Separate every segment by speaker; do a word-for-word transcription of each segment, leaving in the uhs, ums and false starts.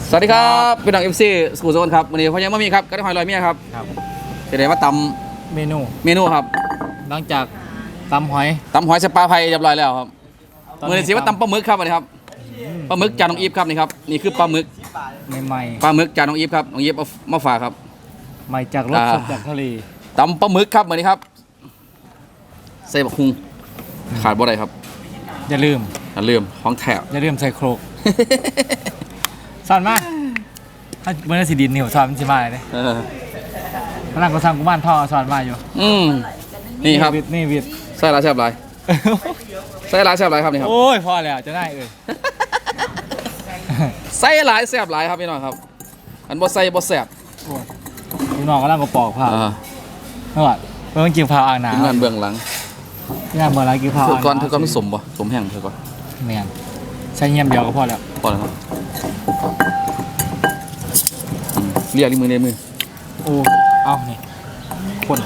Speaker 1: สวัสดีครับพี่น้องเอฟซีสกูโซนครับวันนี้พ่อยังไม่มีครับก็ได้หอยลอยเมียครับครับจะได้มาต
Speaker 2: ำเมนู
Speaker 1: เมนูครับ
Speaker 2: หลังจากตำหอย
Speaker 1: ตำหอยสปาไพเรียบร้อยแล้วครับเมื่อนี้สิว่าตำปลาหมึกครับวันนี้ครับปลาหมึกจานน้องอีฟครับนี่ครับนี่คือปลาหมึก
Speaker 2: ใหม่
Speaker 1: ปลาหมึกจานน้องอีฟครับน้องอีฟเอามาฝากครับ
Speaker 2: ใหม่จากรสสดจากทะเล
Speaker 1: ตำปลาหมึกครับวันนี้ครับใส่บักฮุงขาดบ่ได้ครับ
Speaker 2: อย่าลืม
Speaker 1: อย่าลืมของแถบ
Speaker 2: อย่าลืมใส่โครกสอนมาถ้าเมื่อสีดินนี่ผมสอนมันสิมาเลยพนักงานสร้างกุมารทองสอนมาอยู่
Speaker 1: อืมนี่ครับ
Speaker 2: นี่วิด
Speaker 1: ใส่ลายแซ่บลายใส่ลายแซ่บลายครับนี่ครับ
Speaker 2: โอ้ยพอแล้วจะได้เอ้ย
Speaker 1: ใส่ลายแซ่บลายครับพี่น้องครับอันบ่ใส่บ่แซ่บ
Speaker 2: พี่น้องก็ร่างกระปอกผ้าเมื่อวานเมื่อวันกินผ้าอ่างหนาว
Speaker 1: งานเบื้องหลัง
Speaker 2: งานเมื่อไรกินผ้า
Speaker 1: เธอก่อนเธอก่อนไม่สมบ่สมแห้งเธอก่อน
Speaker 2: แมนใช้เงียบเดียวก็พอแล้ว
Speaker 1: พอแล้วครับเรียกลิ้มือในมือ
Speaker 2: โอ้เอานี่คน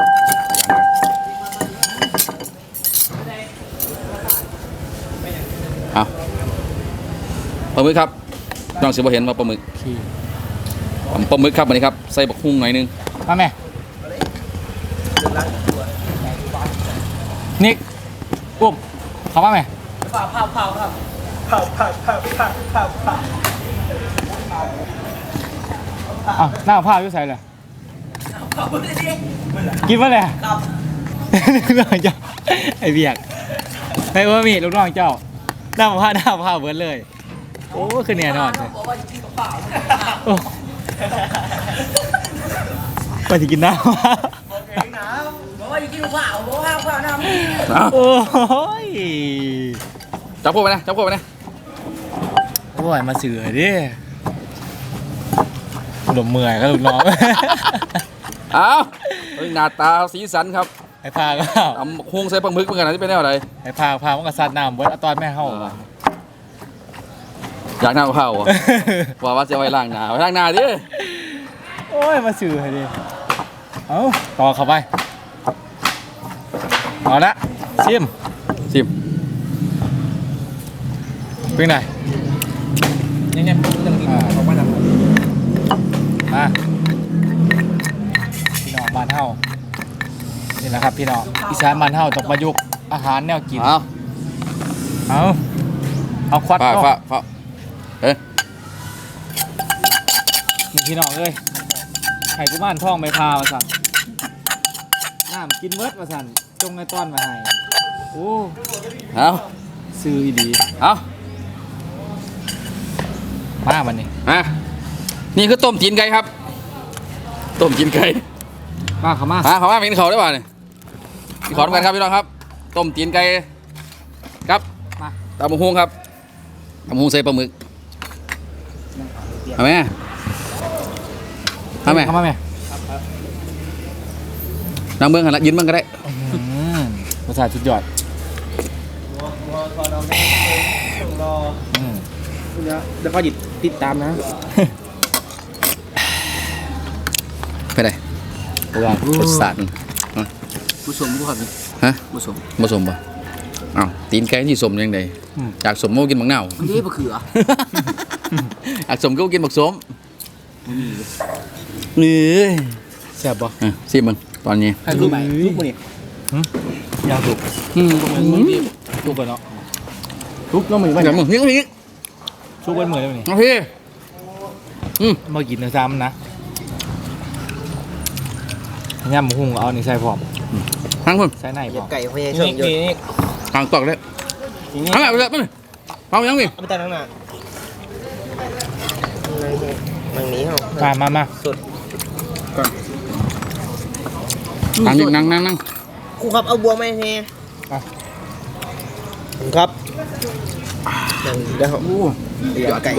Speaker 1: เอาปลาหมึกครับน้องสิบ่เห็นว่าปลาหมึกปลาหมึกครับอันนี้ครับใส่บักฮุ้งหน่อยนึง
Speaker 2: มาแม่นิกปุ๊บเขามาไหมเผาเผาเผาครับเผาเผาเผาเผาเผาเผาอ้าวหน้าผ้าอยู่ใส่เลยกินมาเลยครับลูกน้องเจ้าไอเบียกไอ้ว่ามีลูกน้องเจ้าหน้าผ้าหน้าผ้าเบิร์ดเลยโอ้คือเนี่ยนอนเลยไปที่กินน้ำบอกว่าจะกินข้าวบอกว่าข้าวน้ำโอ้ย
Speaker 1: จับพวกไปนะจับพวกไปนะ
Speaker 2: โอ้ยมาเสือดิหลบเมื่อยก็ลูกน้อง
Speaker 1: เอาหน้าตาสีสันครับ
Speaker 2: ไอ้พาก็
Speaker 1: ทำฮุ้งใส่ปลาหมึกเหมือนกันที่เป็นแนวอะไร
Speaker 2: ไอ้พาพามันก็ซัดน้ำเบิร์ดตอนแม่เข้า
Speaker 1: อยากน้ำข้าวว่าว่าจะไว้ล้างหน้าไว้ล้างหน้าดิ
Speaker 2: โอ้ยมาเสือดิเอาต่อเข้าไปเอาละชิม
Speaker 1: ชิม
Speaker 2: เป็นไงยังไงต้องกินของบ้านเรามาพี่น้องบ้านเฮานี่แหละครับพี่น้องอีสานบ้านเฮาต้องประยุกต์อาหารแนวกิน
Speaker 1: เอา
Speaker 2: เอาเอาควัด
Speaker 1: ฟ้าฟ้าฟ้าเอ้ย
Speaker 2: นี่พี่น้องเอ้ยไข่กุมารทองใบพามาสั่นน้ำกินเวิร์ดมาสั่นจงในต้อนมาให้โอ้
Speaker 1: เอา
Speaker 2: ซื้ออีดี
Speaker 1: เอา
Speaker 2: มาวันนี้
Speaker 1: อ่ะนี่คือต้มจีนไก่ครับต้มจีนไก่
Speaker 2: มาเขามา
Speaker 1: อ่ะเขามาเป็นเขาได้ป่ะเนี่ยขอทำกันครับพี่น้องครับต้มจีนไก่ครับตำบักหุ่งครับตำบักหุ่งใส่ปลาหมึกเอาไหมเอาไหม
Speaker 2: เอามาไหม
Speaker 1: นั่งเบื้องหันละยืนเบื้องก็ได้
Speaker 2: ภาษาชุดยอด
Speaker 3: เดี๋ยวเขาหยิบติดตามนะ
Speaker 1: ไปไหนรสชาติ
Speaker 3: ผสมผู้ขับ
Speaker 1: ฮะผสมผสมป่ะอ้าวตีนไก่ที่สมยังไงจากสมโมกินบักเน่า
Speaker 3: นี่มะเขือ
Speaker 1: จากสมก็กินบักสมนี่
Speaker 2: แซ่บป่ะ
Speaker 1: สิมึงตอนนี้
Speaker 3: ให้ลูกไปลูกมาเนี่ย
Speaker 2: ยาวถูกถูกกันเนาะ
Speaker 3: ทุกน้องมือ
Speaker 1: ไม่อย่างมึงนี่ก็พี่
Speaker 2: ทุกเป็นเหมือนเลย
Speaker 1: นี่พี่
Speaker 2: อืมมากินในซ้ำนะย่ำหุ่งเอาในใส่พร้อม
Speaker 1: ทั้งคน
Speaker 2: ใส่ไหนพร้อม
Speaker 3: ไก่พยายามเยอะ
Speaker 1: ทางตอกเลยทั้งแบบเลยไปเลยเอายังมี
Speaker 3: เอาไปแต่ทั้งหน้ามันนี้เหรอ
Speaker 2: มามามา
Speaker 3: สุด
Speaker 1: ก่อนนั่งนั่งนั่งนั่ง
Speaker 3: ครูครับเอาบัวไหมเฮียครับนั่งเดี๋ยวโอ้ยไก่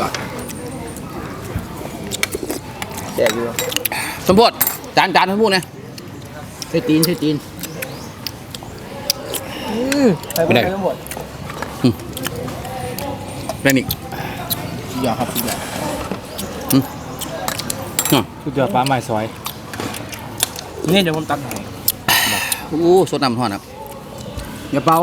Speaker 3: แซ่บอยู่
Speaker 1: สมบูรณ์จานจานสมบูรณ์เนี่ย
Speaker 3: ใส่ตีนใส่ตีน
Speaker 1: ไม่ได้เป็นอีก
Speaker 3: สุดยอดครับสุดยอด
Speaker 2: สุดยอดปลาใหม่ซอย
Speaker 3: นี่เดี๋ยวผมตัดให้
Speaker 1: โอ้สดน้ำทอดครับ
Speaker 3: อย่าเป่า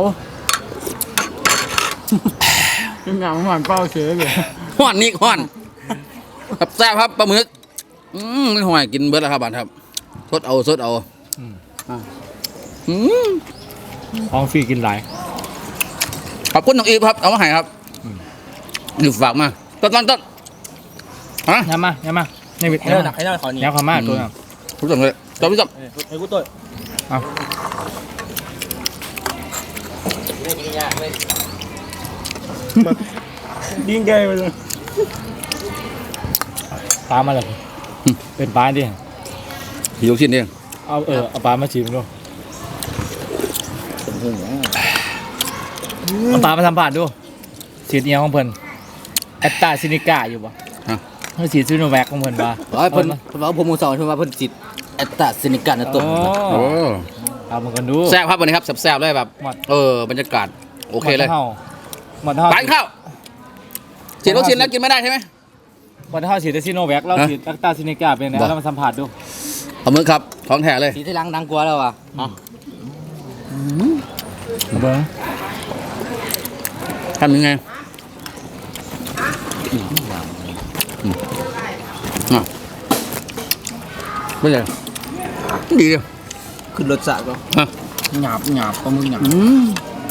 Speaker 2: งานหวานเป้าเฉยเลย
Speaker 1: ห้อนนี่ห้อนครับแซ่บครับปลาหมึกอืมไม่ห่วยกินเบิร์ดแล้วครับบานครับสดเอาสดเอาอืม
Speaker 2: ของฟรีกินหลาย
Speaker 1: ขอบคุณน้องอีฟครับเอามาให้ครับนี่ฝากมาต้นต้นต้นฮะ
Speaker 2: ยำมาย้ำมาในวิท
Speaker 3: ให้เราหนักให้เราขอนี่
Speaker 2: ยำความมากตัวน่ะ
Speaker 1: ทุกท่านเลยจบพี่จบ
Speaker 3: ไอ้กูตัว
Speaker 2: เอา
Speaker 3: ดิ้งแกไปเลย
Speaker 2: ปลามาเลยเป็นปลาดิ
Speaker 1: พี่ยกชิ้นเอง
Speaker 2: เอาเออเอาปลามาชิมดูเอาปลามาทำผ่านดูสีเอียวของเพิ่นแอตตาซินิก้าอยู่ปะเฮ้ยสีซูโนแวคของเพิ่นปะ
Speaker 3: อ๋อเพิ่นเพิ่นว่าผมมูสอนเพิ่นว่าเพิ่นจิตแอตตาซินิกันนะตัว
Speaker 2: โอ้
Speaker 1: โอ้
Speaker 2: เอามากันดู
Speaker 1: แซ่บครับวันนี้ครับแซ่บๆเลยแบบ
Speaker 2: หมด
Speaker 1: เออบรรยากาศโอเคเลย
Speaker 2: หมดเท่า
Speaker 1: ปานข้าวฉีดวัคซีนแล้วกินไม่ได้ใช่ไหม
Speaker 2: หมดเท่าฉีดแต่ซิโนแวคเราฉีดแอตตาซินิก้าเป็นไงเรามาสัมผัสดู
Speaker 1: เอามือครับของแท้เลย
Speaker 3: สีที่ล้างดังกว่าแล้วอ่ะ
Speaker 2: เบิ้ง
Speaker 1: ทำยังไงอ่ะไม่ใช่ดีเลย
Speaker 3: ขึ้นรสชาติก็
Speaker 1: ฮะ
Speaker 3: หยาบหยาบปลาหมึกหยาบ
Speaker 1: อืม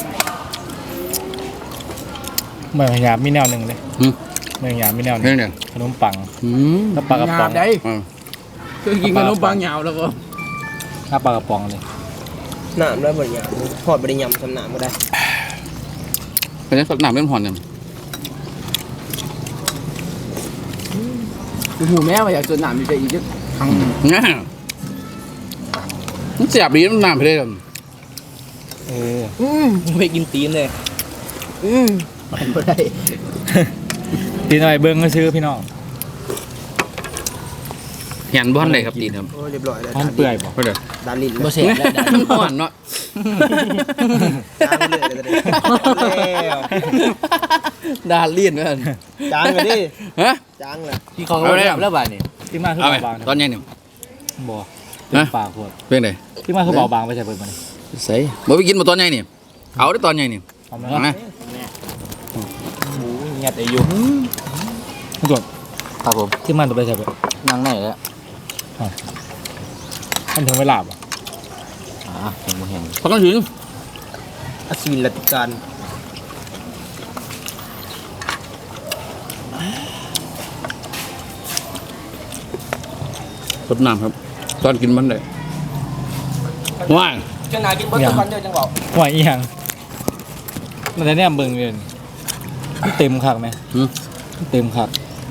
Speaker 2: เหมือนหยาบมีแนวหนึ่งเลย
Speaker 1: อืม
Speaker 2: เหมือนหยาบมีแนวหนึ่
Speaker 1: นี่
Speaker 2: ง
Speaker 1: เนี่ย
Speaker 2: ขนมปัง
Speaker 1: อืม
Speaker 2: แล้วปลากระป๋อง
Speaker 1: อ่า
Speaker 3: คือกินขนมปังหยาบแล้วก็
Speaker 2: ถ้าปลากระป๋องเลย
Speaker 3: หนามแล้วเหมือนหยาบทอดไปได้ยำสำหนามก็ได้
Speaker 1: เป็นยังสักหนามเล่นหอนเนี่ย
Speaker 3: หูแม่มาอยากจนหนามมีใจอีกครั้ง
Speaker 1: ง่ามันเสียบดีมันหนามไปเลย
Speaker 2: เออ
Speaker 3: อืมไปกินตีนเลยอืมมันไม่ได้
Speaker 2: ตีหน่อยเบิ้งก็ซื้อพี่น้อง
Speaker 1: เห็นบ้านไหนครับตีนครับ
Speaker 3: โอ้เรียบร้อยแล้ว
Speaker 2: ห้องเปื่อยบอก
Speaker 1: ก็เดี๋ยว
Speaker 3: ดาลินบ่เสร็จแล้วดาลิน
Speaker 1: หอนเนาะ
Speaker 3: จางเลยแล้ว
Speaker 1: ดาเลียนเพื่อน
Speaker 3: จางเลยดิ
Speaker 1: ฮะ
Speaker 3: จางเลย
Speaker 1: พี่เขาเอาเลยแล้วบ่ายนี่
Speaker 2: ที่มาคือ
Speaker 1: เอาไป
Speaker 2: เบาบาง
Speaker 1: ตอนยังเนี่ย
Speaker 2: บ่เต็มปากขวด
Speaker 1: เป็นไง
Speaker 2: ที่มาคือเบาบางไปใช่เปิดมัน
Speaker 1: ใส่บ่ไปกินมาตอนยังเนี่ยเอาได้ตอนยังเนี่ย
Speaker 2: เอาไหม
Speaker 1: เอาไหม
Speaker 3: หมูเงียบอายุ
Speaker 2: คุณจด
Speaker 3: ครับผม
Speaker 2: ที่มันตัวไปใช่เปิด
Speaker 3: นั่งไหนแล้ว
Speaker 2: มันถึงเวลาป่ะ
Speaker 3: อ่าเห็นบ่เห็น
Speaker 1: พอต้องถึง
Speaker 3: อศิลติการ
Speaker 1: รดน้ำครับ ตอนกินมันได้ว้าย
Speaker 3: จังไหนกินเบิ้ลทุกวันเดียวจังบอก
Speaker 2: หวยอีหยังมันจะเนี่ยเบิ่งเงินเต็มคักไหม
Speaker 1: หืม
Speaker 2: เต็มคัก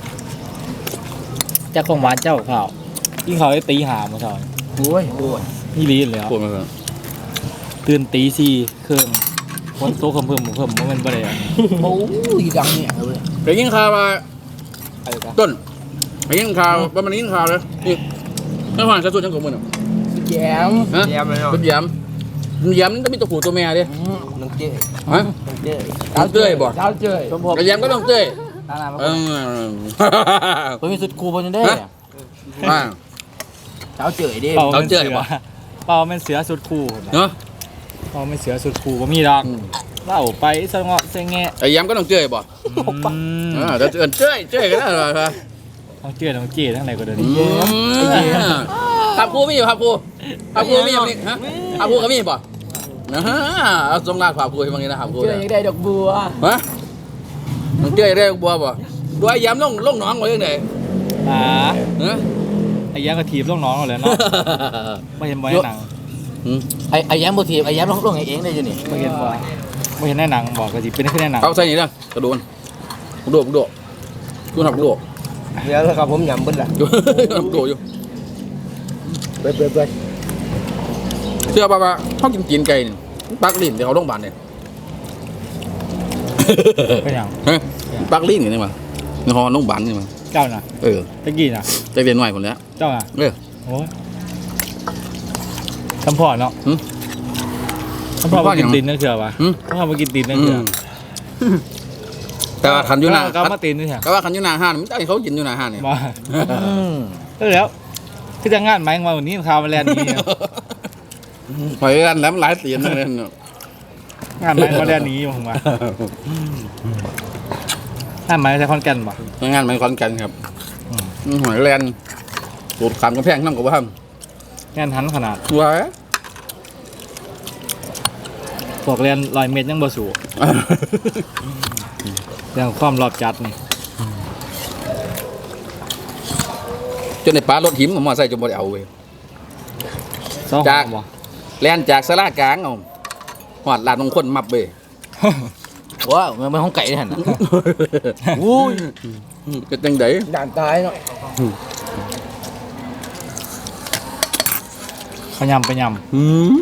Speaker 2: เจ้าของหวานเจ้าข่าวยิ่งเขาได้ตีหามาชอย
Speaker 3: โอ้ยโอ้ย
Speaker 2: นี่ลีนเลย
Speaker 1: ปวดมาแล้ว
Speaker 2: ตื่นตีสี่เครื่องคนโต๊ะเพิ่มเพิ่มเพิ่มมันบ่ได้อะ
Speaker 3: โอ้ยดังเนี่ยเลย
Speaker 1: ไปยิงข่าวมา
Speaker 3: อะไรกัน
Speaker 1: ต้นไปยิงข่าวประมาณนี้ยิงข่าวเลยนี่ไม่ผ่านกระสุนยังกบมือหรอ
Speaker 3: แย้ม
Speaker 1: ฮะ
Speaker 3: แย้มเลยเนาะ
Speaker 1: เป็นย้ำย้ำต้องมีตัวผู้ตัวแม่ดิ
Speaker 3: น้องเจ้
Speaker 1: ฮะ
Speaker 3: น้องเจ้
Speaker 1: น้องเต้ยบ่
Speaker 3: เจ้าเจ้ยสมพงษ์
Speaker 1: ไอ้ย้ำก็ต้องเต้ย
Speaker 3: ตาหน้ามา
Speaker 1: เออ
Speaker 3: เพิ่นมีสุดคูเพิ่นได้
Speaker 1: อ่า
Speaker 3: เจ้าเจ้ยดิ
Speaker 2: เป่า
Speaker 1: เรา
Speaker 2: เป็น
Speaker 1: เจอ
Speaker 2: เสือ
Speaker 1: ปะ
Speaker 2: เป่าเป็นเสือสุดคู่
Speaker 1: เนาะ
Speaker 2: เป่าเป็นเสือสุดคู่ก็มีดอกเล่าไปสงะเสงแงะ
Speaker 1: ไอ้ย้ำก็ต้องเต้ยบ่
Speaker 2: อืม
Speaker 1: อ่าเดี๋ยวเอิ้นเต้ยเต้ยกันแล้วเหรอ
Speaker 2: ต้องเจือต้องเจีทั้งไหนก็เดิน
Speaker 1: อืมครับครูมีอยู่ครับครูครับครูมีอยู่นี่ฮะครับครูก็มีป่ะนะฮะเอาสงราดครับครูให้บางทีนะครับครู
Speaker 3: เจ้ยยังได้ดอกบัว
Speaker 1: ฮะมึงเจ้ยได้บัวป่ะด้วยย้ำลงลงหนองมาเรื่องไหน
Speaker 2: อ่า
Speaker 1: ฮะ
Speaker 2: ไอ้ยังกระถีบลูกน้องเราเลยเนาะไม่เห็นบ่ในหนัง
Speaker 3: ไอ้ไอ้แย้มบ่ทีไอ้แย้มลงลงเองได้อยู่นี่
Speaker 2: ไม่เห็นบ่ไม่เห็นในหนังบอกกระถีบเป็นแค่ในหนัง
Speaker 1: เอาใส่นี่นะกระโดนกระโดดกระโดดกูทำกระโดด
Speaker 3: เดี๋ยวแล้วครับผมยำเบิ้ลละ
Speaker 1: อยู่ทำกระโดดอยู่
Speaker 3: เบิ้ลเบิ้ลเบิ้ล
Speaker 1: เชื่อป่ะว่าเขากินกินไก่นี่ปักลิ้นเดี๋ยวเขาโรงพยาบาลเนี่ย
Speaker 2: เป็นอย่าง
Speaker 1: ฮะปักลิ้นอย่างนี้มาในห้องโรงพยาบาลนี่มา
Speaker 2: เจ้าน่ะ
Speaker 1: เออ
Speaker 2: ตะกี้น่ะ
Speaker 1: จะเรียนหน่อยคนแล้ว
Speaker 2: เจ้าน่ะ
Speaker 1: เออ
Speaker 2: โอ้ยทำพ่อเนาะ
Speaker 1: หึ
Speaker 2: ทำพ่อ
Speaker 1: ทำพ่อ
Speaker 2: มากิน
Speaker 1: หยัง
Speaker 2: ตีนนั่นเถื่อปะ
Speaker 1: หึ
Speaker 2: ทำพ่อมากินตีนนั่น
Speaker 1: อื
Speaker 2: เถื่อ
Speaker 1: มแต่ว่าขันอยู่หน้า
Speaker 2: ก็มาตีนนี่เถื่อ
Speaker 1: แต่ว่าขันอยู่หน้าห้านมันจะให้เขากินอยู่หน้าห้านเนี่ย
Speaker 2: มาเออแล้วคือจะงานไหมมาวันนี้ข่าวมาแลนด์นี้
Speaker 1: หอยกันแล้วมันหลายเสียนเลยเนาะ
Speaker 2: งานไหมมาแลนด์นี้ผมว่างานไหมใช้คอนแก่นป่ะ
Speaker 1: งานมันคอนกันครับอืมหอยแลนสูตรขามกระแพงน้ำกับว่า
Speaker 2: แน่นทันขนาด
Speaker 1: ว้า
Speaker 2: บอกเรียนลอยเมตรยังบ่สูเรื่องความรอบจัดนี่
Speaker 1: จนในปลารถหิมผมมาใส่จนบ่ได้เอาเว้ย
Speaker 2: ซ้อ
Speaker 1: จาก
Speaker 2: บ่
Speaker 1: แลนจากสลากลางเอาหอดลานมงคลมับเว้ย
Speaker 3: ว้าวมันเป็นห้องไก่ด้วยหันอุ้ย
Speaker 1: ก็จังได๋
Speaker 3: ด่านตายเนาะ
Speaker 2: ขยำไปย
Speaker 1: หืม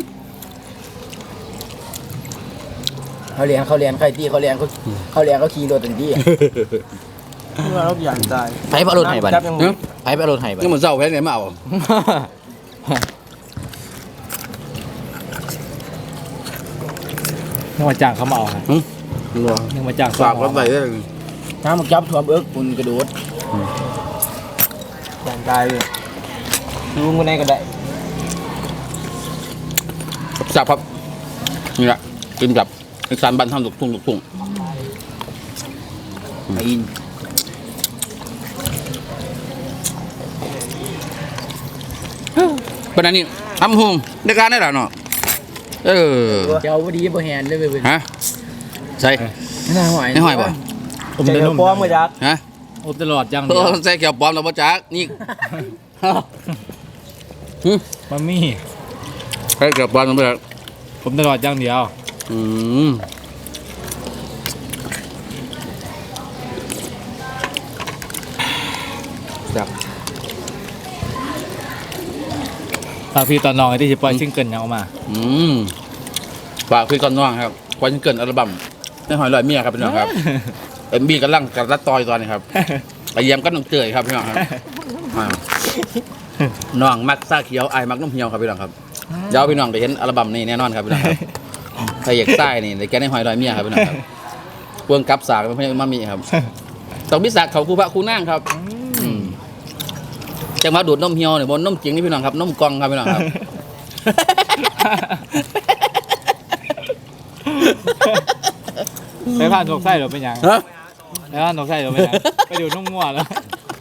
Speaker 3: เขาเรียนเขาเรียนใครตีเขาเรียนเขาเขาเรียนเขาขี่รถตันที่เมื่อเราด่านตายไผ่พระรถไห้บันไผ่พระรถไห้บัน
Speaker 1: นี่มันเศร้าแพ้ไหนมาเอา
Speaker 2: ำนึกว่าจ้างเขามาเอาฮะ
Speaker 1: หืม
Speaker 2: นึกว่าจ้าง
Speaker 1: ฝากรถไว้เด้อ
Speaker 3: น้ำมันจับถ่วมเอิกปุ่นกระโดดด่านตายเลยดูมันไหนก็ได้
Speaker 1: จับครับนี่แหละกินกับอีสานบ้านทำลูกทุ่งลูกทุ่ง
Speaker 3: ไอ้อิน
Speaker 1: ปานนั้นนี่ทำหุงในการได้หรอเนาะเออ
Speaker 3: เจ้าพอดีบ่แฮนเลยเว้ย
Speaker 1: ฮะใส่
Speaker 3: น่าหอย
Speaker 1: ในหอยป่ะ
Speaker 2: ผม
Speaker 3: ใจ
Speaker 2: จะ
Speaker 3: เรา
Speaker 2: นุ่ม
Speaker 3: ป้อมมาจัก
Speaker 1: ฮะ
Speaker 2: อบตลอดจัง
Speaker 1: เอ
Speaker 2: เดียว
Speaker 1: อใส่เกี่ยวปลอมแล้วบ่จักนี่หึ
Speaker 2: มันมี
Speaker 1: ใส่เกี่ยวปลอมแล้วบ่จัก
Speaker 2: ผมตลอดจังเดียว
Speaker 1: อืม
Speaker 2: ฝากพี่ตอนน้องไอ้ที่จะปล่อยซิงเกิลยังออกมา
Speaker 1: อืมฝากพี่ก่อนน้องครับควันเกินอัลบั้มในหอยลอยเมียครับพี่น้องครับเอ็มบีกำลังกับรัดตอยตอนนี้ครับไปเยี่ยมกันน้องเตยครับพี่น้องครับอ่าน้องมักซาเขียวไอ้ายมักน้ำเหี่ยวครับพี่น้องครับเดี๋ยวพี่น้องได้เห็นอัลบั้มนี้แน่นอนครับพี่น้องครับใครอยากใต้นี่ในแกในหอยลอยเมียครับพี่น้องครับพวงกับสากเป็นพญามามีครับต้องมีสากเขาคูพระคูนั่งครับอืมจังหวะดูดนมเหี่ยวเนี่ยบนนมจริงนี่พี่น้องครับนมกล่องครับพี่น้องครับ
Speaker 2: ไปผ่านนกไส้หรือเป็นยัง
Speaker 1: ฮะ
Speaker 2: ไปผ่านนกไส้หรือเป็นยังไปดูนุ่มงัวแล้ว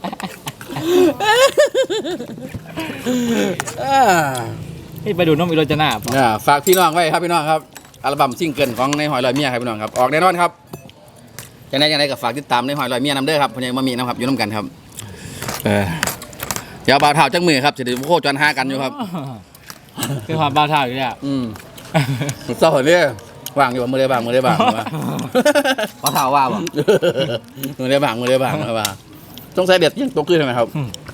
Speaker 1: อ่า
Speaker 2: นี่ไปดูนุ่มอิโรจนาปะ
Speaker 1: อ่าฝากพี่น้องไว้ครับพี่น้องครับอัลบั้มซิงเกิลของในหอยลอยเมียครับพี่น้องครับออกแน่นอนครับยังไงยังไงก็ฝากติดตามในหอยลอยเมียน้ำเด้อครับพญามามีนะครับอยู่น้ำกันครับเออเดี๋ยวบ่าวเท้าจังมือครับจะได้โคจรหากันอยู่ครับ
Speaker 2: คือความบ้าท่าอยู่เนี่ย
Speaker 1: อืมเศร้าเนี่ยว่างอยู่บ่มือได้บ้างมือได้บ้างวะ
Speaker 3: พอเท่าว่าบ่
Speaker 1: มือได้บ้างมือได้บ้างมาบ้างต้องใส่เด็ดยังตกขึ้นใช่ไหมครับ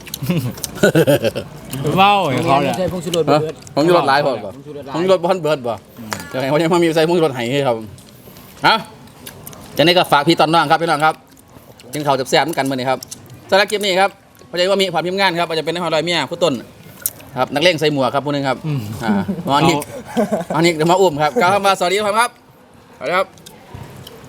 Speaker 2: เมาอย่างเขาเนี่ย
Speaker 3: ใช่พงชูรส
Speaker 1: ฮะ
Speaker 3: เบิด
Speaker 1: ของยูรถหลายพอป่ะ
Speaker 3: พงชูรส
Speaker 1: ของยูรถบอลเบิร์ดป่ะจะไงเขายังมามีใส่ของยูรถไห้ให้ครับฮะจากนี้ก็ฝากพี่ตอนน้องครับพี่น้องครับกินข้าวแซ่บๆเหมือนกันมื้อนี้ครับสำหรับคลิปนี้ครับพอดีว่ามีความพิมพ์งานครับอาจจะเป็นในหอยลอยเมียผู้ต้นครับนักเลงใส่หมวกครับผู้หนึงครับ
Speaker 2: อืม
Speaker 1: อ่าน้องอันนี้อันนี้เดี๋ยวมาอุ้มครับกล่าวคำว่าสวัสดีครับครับสวัสดีครับ